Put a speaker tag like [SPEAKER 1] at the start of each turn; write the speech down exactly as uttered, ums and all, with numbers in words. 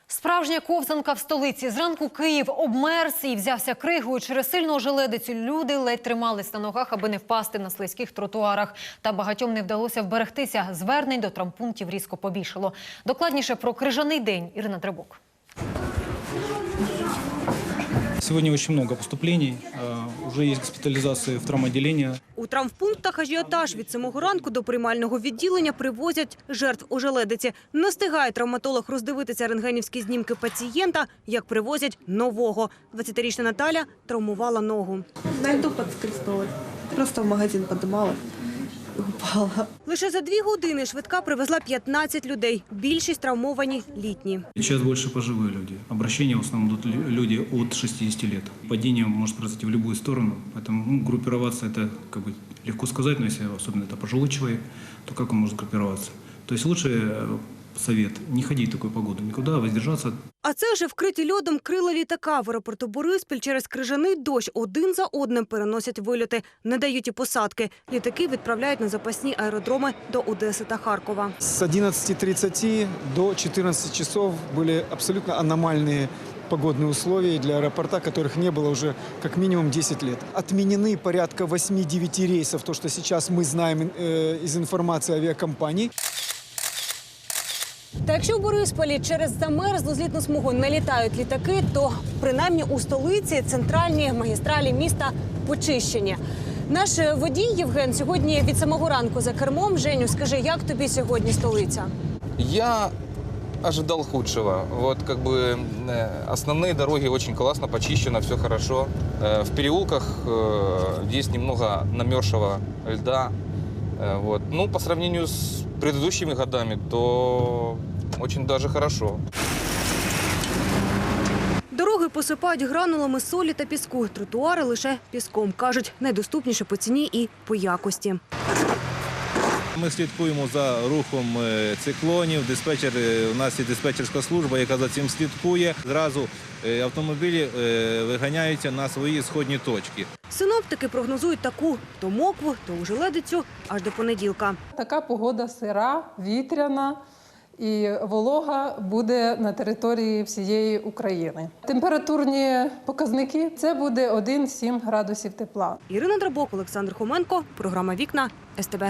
[SPEAKER 1] Справжня ковзанка в столиці. Зранку Київ обмерз і взявся кригою. Через сильну ожеледицю люди ледь тримались на ногах, аби не впасти на слизьких тротуарах. Та багатьом не вдалося вберегтися. Звернень до травмпунктів різко побільшало. Докладніше про крижаний день. Ірина Требок.
[SPEAKER 2] Сегодня очень много поступлений, уже есть госпитализации в травмоотделение.
[SPEAKER 3] У травмпунктах ажіотаж. Від самого ранку до приймального відділення привозять жертв ожеледиці. Не встигає травматолог роздивитися рентгенівські знімки пацієнта, як привозять нового. двадцятирічна Наталя травмувала ногу.
[SPEAKER 4] На льду подскользнулась. Просто в магазин подымала и упала.
[SPEAKER 3] Лише за дві години швидка привезла п'ятнадцять людей. Більшість травмовані літні.
[SPEAKER 2] Сейчас больше пожилые люди. Обращения в основном идут люди от шестидесяти лет. Падение может произойти в любую сторону, поэтому ну, группироваться это как бы легко сказать, но если особенно это пожилой человек, то как он может группироваться? То есть лучше совет не ходить в такую погоду, никуда, воздержаться.
[SPEAKER 3] А це вже вкриті льодом крила літака. В аеропорту Бориспіль через крижаний дощ один за одним переносять вильоти. Не дають і посадки. Літаки відправляють на запасні аеродроми до Одеси та Харкова.
[SPEAKER 5] С одиннадцати тридцати до четырнадцати часов были абсолютно аномальные погодные условия для аэропорта, которых не было уже как минимум десять лет. Отменены порядка восьми-девяти рейсов, то, что сейчас мы знаем э, из информации авиакомпаний.
[SPEAKER 3] Та якщо в Борисполі через замерзлу злітну смугу не літають літаки, то принаймні у столиці центральні магістралі міста почищені. Наш водій Євген сьогодні від самого ранку за кермом. Женю, скажи, як тобі сьогодні столиця?
[SPEAKER 6] Я ожидал худшего. Вот как бы э, основные дороги очень классно, почищено, все хорошо. Э, в переулках э, есть немного намерзшего льда. Э, вот. Ну, по сравнению с предыдущими годами, то очень даже хорошо.
[SPEAKER 3] Дороги посипають гранулами солі та піску. Тротуари лише піском. Кажуть, найдоступніше по ціні і по якості.
[SPEAKER 7] Ми слідкуємо за рухом циклонів. Диспетчер, у нас є диспетчерська служба, яка за цим слідкує. Зразу автомобілі виганяються на свої сходні точки.
[SPEAKER 3] Синоптики прогнозують таку то мокву, то ожеледицю аж до понеділка.
[SPEAKER 8] Така погода сира, вітряна і волога буде на території всієї України. Температурні показники – це буде один-сім градусів тепла.
[SPEAKER 3] Ірина Драбок, Олександр Хоменко, програма «Вікна», ес те бе.